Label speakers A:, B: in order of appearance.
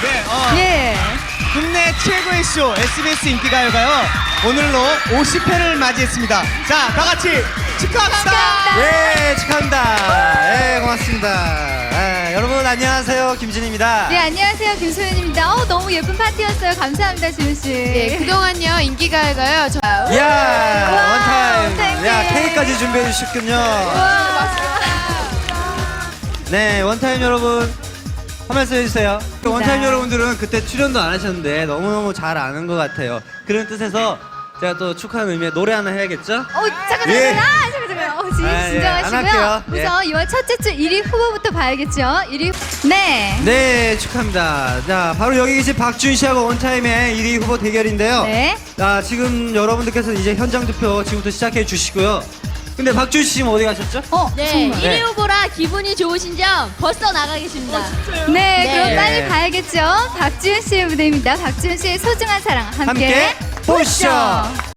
A: 네,
B: 예.
A: 국내 최고의 쇼 SBS 인기가요가요 오늘로 50회를 맞이했습니다. 자, 다 같이 축하합니다.
C: 예, 축하합니다. 예, 고맙습니다. 예, 여러분 안녕하세요, 김진입니다.
B: 네, 안녕하세요. 김소연입니다. 너무 예쁜 파티였어요. 감사합니다, 지훈 씨.
D: 네, 그동안요 인기가요가요.
C: 이야,
B: 와우,
C: 원타임.
B: 땡땡.
C: 야, 케이크까지 준비해 주셨군요. 네, 원타임 여러분 한 말씀 해주세요. 원타임 여러분들은 그때 출연도 안 하셨는데 너무너무 잘 아는 것 같아요. 그런 뜻에서 제가 또 축하하는 의미에 노래 하나 해야겠죠?
B: 잠깐.
C: 예.
B: 지금 진정하시고요.
C: 안 할게요. 예.
B: 우선 2월 첫째 주 1위 후보부터 봐야겠죠. 1위. 네.
C: 네, 축하합니다. 자, 바로 여기 계신 박준 씨하고 원타임의 1위 후보 대결인데요.
B: 네.
C: 자, 지금 여러분들께서 이제 현장 투표 지금부터 시작해 주시고요. 근데 박준 씨 지금 어디 가셨죠?
D: 네,
B: 정말.
D: 1위 후보라 기분이 좋으신 점 벌써 나가 계십니다.
B: 네,
D: 네.
B: 그럼 빨리 가야겠죠. 박지훈 씨의 무대입니다. 박지훈 씨의 소중한 사랑 함께
C: 함께 보시죠.